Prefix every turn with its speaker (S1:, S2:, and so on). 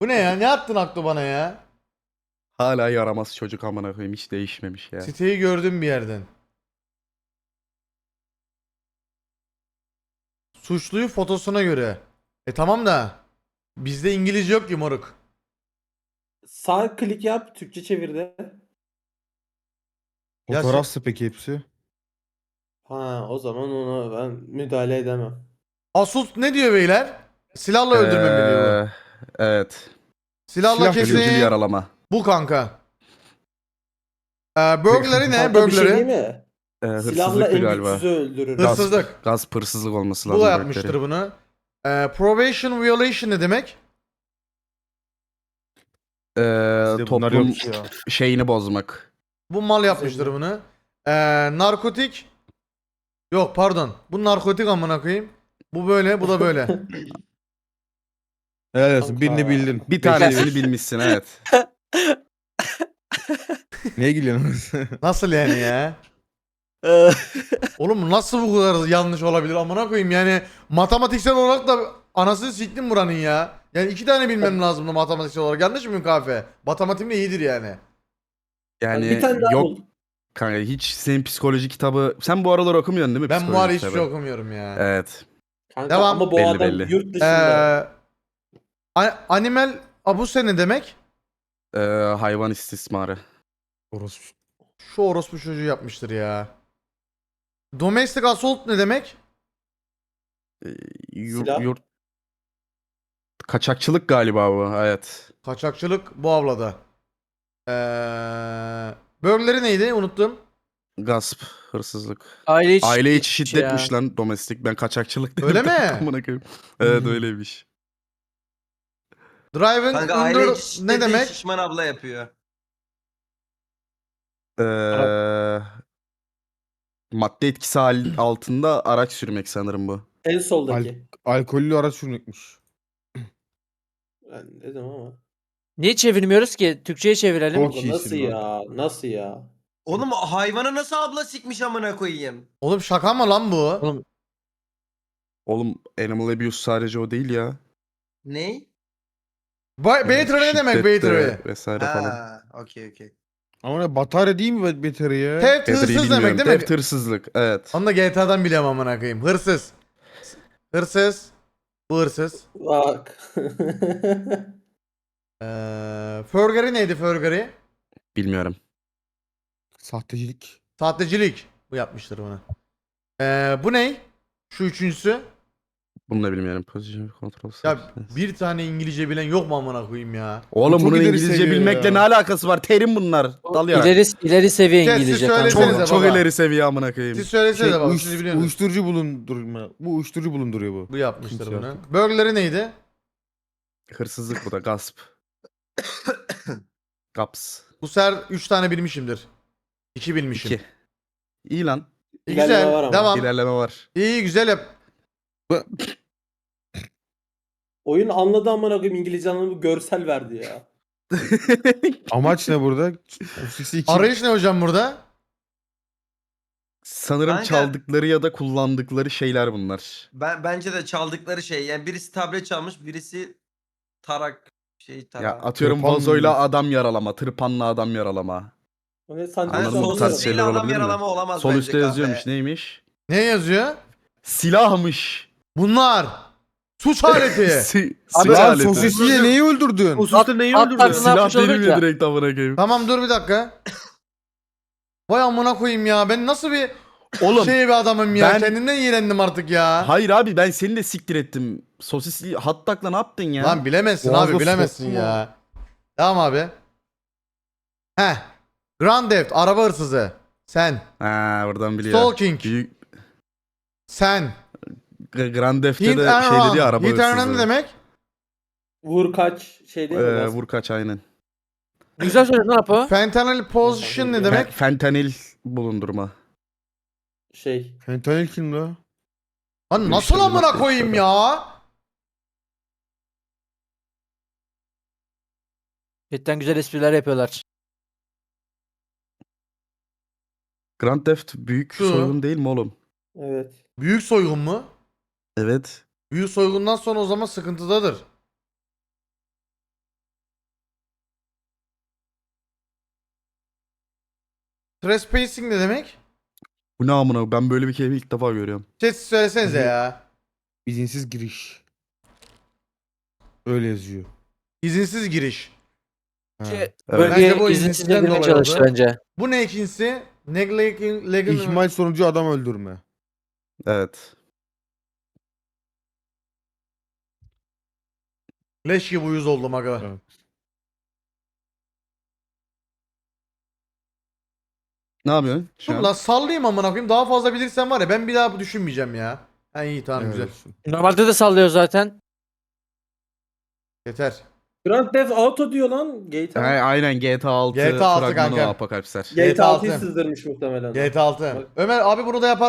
S1: Bu ne ya? Ne attın aklı bana ya?
S2: Hala yaramaz çocuk amına koyayım, hiç değişmemiş ya.
S1: Siteyi gördüm bir yerden. Suçluyu fotosuna göre. Tamam da bizde İngilizce yok ki moruk.
S3: Sağ klik yap, Türkçe çevir de.
S1: Ya
S4: Fotoğrafsa peki hepsi?
S3: Ha, o zaman ona ben müdahale edemem.
S1: Asult ne diyor beyler? Silahla öldürme mi diyor bu?
S2: Evet.
S1: Silahla
S4: silah
S1: kesin.
S2: Ölümcül yaralama.
S1: Bu kanka. Burglary ne?
S3: Kanka bir şey değil
S1: Burglary.
S3: mi? Silahla
S2: Hırsızlıktı
S3: en
S2: galiba.
S3: güçsüzü öldürür.
S1: Hırs- Hırsızlık.
S2: Gasp hırsızlık olması
S1: Bu
S2: lazım.
S1: da yapmıştır bunu. Probation violation ne demek?
S4: Bizde bunlar
S2: Toplum
S4: yok ya.
S2: şeyini bozmak.
S1: Bu mal yapmıştır
S3: Güzel.
S1: bunu. Narkotik. Yok pardon. Bu narkotik amına koyayım. Bu böyle, bu da böyle.
S4: Helal olsun.
S3: Kanka.
S4: Birini bildin.
S2: Bir tanesini bilmişsin, evet.
S4: Neye gülüyorsun?
S1: Nasıl yani ya? Oğlum bu nasıl bu kadar yanlış olabilir amına koyayım yani matematiksel olarak da anasını siktim buranın ya. Yani 2 tane bilmem lazımdı matematiksel olarak. Yanlış mıyım kahve? Matematiğim de iyidir yani.
S2: Yani
S3: Bir tane daha
S2: yok
S3: bul.
S2: kanka, hiç senin psikoloji kitabı... Sen bu aralar okumuyorsun değil mi
S1: Ben bu
S2: psikoloji
S1: ara hiçbir
S2: kitabı?
S1: şey okumuyorum ya.
S2: Evet.
S3: Kanka
S1: Devam.
S3: ama bu
S2: Belli,
S3: adam
S2: belli.
S3: yurt dışında.
S1: Animal abuse ne demek?
S2: Hayvan istismarı.
S4: Orospu.
S1: Şu orospu çocuğu yapmıştır ya. Domestic assault ne demek?
S3: Silah.
S2: Yurt... Kaçakçılık galiba bu, evet.
S1: Kaçakçılık bu avlada. Burglary neydi? Unuttum.
S2: Gasp, hırsızlık.
S5: Aile
S2: içi şiddetmiş lan domestik. Ben kaçakçılık dedim.
S1: Öyle mi?
S2: Amına koyayım. Evet, öyleymiş.
S1: Driving
S6: Kanka
S1: under
S6: aile içi
S1: ne
S6: şiddeti
S1: demek?
S6: şişman abla yapıyor.
S2: Madde etkisi altında araç sürmek sanırım bu.
S3: En soldaki.
S4: Alkollü araç sürmekmiş.
S3: Ben dedim ama.
S5: Niye çevirmiyoruz ki? Türkçe'ye çevirelim.
S4: Çok
S3: Kanka nasıl
S4: iyisin
S3: ya? Nasıl ya?
S6: Oğlum hayvana nasıl abla sikmiş amına koyayım?
S1: Oğlum şaka mı lan bu?
S5: Oğlum
S2: Oğlum animal abuse sadece o değil ya.
S6: Ney?
S1: Battery ne demek
S2: Şiddet de
S1: battery?
S2: vesaire falan.
S6: Ha, okey.
S4: Ama ne batarya değil mi beteri ya?
S1: Theft
S2: Battery'yi
S1: hırsız demek
S2: bilmiyorum.
S1: değil mi?
S2: Theft hırsızlık, evet.
S1: Onu da GTA'dan biliyorum amına koyayım. Hırsız. Hırsız. Bu hırsız.
S3: Bak.
S1: Forgery neydi forgery?
S2: Bilmiyorum.
S4: Sahtecilik.
S1: Sahtecilik. Bu yapmıştır bunu. Bu ne? Şu üçüncüsü.
S2: Bunu da bilmiyorum. Position control
S1: Ya
S2: substance.
S1: bir tane İngilizce bilen yok mu amına koyayım ya?
S2: Oğlum
S4: çok
S2: bunun
S4: ileri
S2: İngilizce
S4: seviye
S2: bilmekle
S4: ya.
S2: ne alakası var? Terim bunlar. Dal yarak.
S5: ileri seviye
S1: Siz
S5: İngilizce
S1: söylesenize
S5: kanka.
S1: baba.
S2: Çok ileri seviye amına koyayım.
S1: Siz söylesenize baba.
S4: Uyuş-
S1: Siz biliyorsunuz.
S4: uyuşturucu bulundurma. Bu uyuşturucu bulunduruyor bu.
S1: Bu yapmıştır
S4: Kimse
S1: bunu.
S4: artık.
S1: Burglary neydi?
S2: Hırsızlık bu da, gasp. Gaps.
S1: Bu sefer 3 tane bilmişimdir. 2 bilmişim.
S2: 2. İyi lan.
S3: İlerleme var
S1: Güzel.
S3: ama.
S1: Devam.
S2: İlerleme var.
S1: İyi güzel yap.
S3: Oyun anladı amına koyayım, İngilizce anlamı görsel verdi ya.
S4: Amaç ne burada? Sosisi için.
S1: Arayış ne hocam burada?
S2: Sanırım
S6: Kanka-
S2: çaldıkları ya da kullandıkları şeyler bunlar.
S6: Bence de çaldıkları şey. Yani birisi tablet çalmış, birisi tarak
S2: Ya
S6: tarak.
S2: atıyorum
S4: Tırpan
S2: vazoyla
S4: mı?
S2: adam yaralama, tırpanla adam yaralama.
S3: O ne sandviç
S6: Hani
S2: Anladın mı? Bu
S6: sol
S2: tarz
S6: üstüyle
S2: şeyler
S6: adam
S2: olabilir mi?
S6: yaralama olamaz
S2: Sol
S6: bence
S2: üstte
S6: kahve.
S2: yazıyormuş, neymiş?
S1: Ne yazıyor?
S2: Silahmış.
S1: Bunlar. Suç aleti.
S2: Silah
S4: Lan
S2: aleti.
S4: sosisiyle neyi öldürdün?
S6: Hususta neyi
S5: At
S6: öldürdü?
S5: tarzına
S2: Silah
S5: yapmış
S2: değil
S5: olacak
S2: mi
S5: ya.
S2: direkt amına koyayım?
S1: Tamam dur bir dakika. Vay amına koyayım ya. Ben nasıl bir
S2: Oğlum
S1: şey bir adamım ya.
S2: ben-
S1: Kendimden iğrendim artık ya.
S2: hayır abi, ben seni de siktir ettim. Sosisli hot dog'la ne yaptın ya?
S1: Lan bilemezsin
S4: Boğazda
S1: abi bilemezsin
S4: sokma.
S1: ya. Tamam abi. Heh. Grand Theft araba hırsızı. Sen.
S2: Ha, buradan biliyor.
S1: Stalking.
S2: Büyük
S1: Sen.
S2: Grand Theft'te
S1: Hit
S2: de
S1: and
S2: şey dedi ya,
S1: run.
S2: araba
S1: Hit and run ne
S2: hırsızı.
S1: demek?
S3: Vur kaç şey değil mi?
S2: Vur kaç, aynen.
S5: Güzel söyledin lan Apo.
S1: Fentanyl position ne demek?
S2: Fentanil bulundurma.
S3: Şey.
S4: Fentanil kim la?
S1: Lan nasıl
S2: İşte bu
S1: amına
S2: madde
S1: koyayım
S2: işte.
S1: ya?
S5: Cidden güzel espriler yapıyorlar.
S2: Grand Theft büyük
S1: Şu.
S2: soygun değil mi oğlum?
S3: Evet.
S1: Büyük soygun mu?
S2: Evet.
S1: Büyük soygundan sonra o zaman sıkıntıdadır. Trespassing ne demek?
S2: Bu ne amına? Ben böyle bir kelime ilk defa görüyorum.
S1: Chat söylesenize ya.
S4: İzinsiz giriş. Öyle yazıyor.
S1: İzinsiz giriş.
S4: Ha.
S2: Evet.
S1: Bence bu
S5: Bölgeye
S1: izinsizden
S5: izinsiz girmeye
S1: dolayı
S5: çalıştı
S1: oldu.
S5: bence.
S1: Bu ne ikincisi? Neglecting
S4: İhmal sonucu adam öldürme.
S2: Evet.
S1: Leş gibi uyuz oldum aga.
S4: Evet.
S2: Ne yapıyorsun şu
S1: Dur
S2: an?
S1: lan sallayayım amına koyayım. Daha fazla bilirsem var ya ben bir daha bu düşünmeyeceğim ya. Ha iyi tamam
S4: Helal
S1: güzel.
S4: olsun.
S5: Normalde de sallıyor zaten.
S1: Yeter.
S3: Grand Theft Auto diyor lan. GTA.
S2: Aynen GTA 6
S1: GTA 6
S2: fragmanı
S1: kanka.
S2: o Apokalipsler.
S3: GTA
S1: GTA
S3: 6'yı
S1: 6.
S3: sızdırmış muhtemelen.
S1: GTA 6.
S3: Bak.
S1: Ömer abi bunu da yapar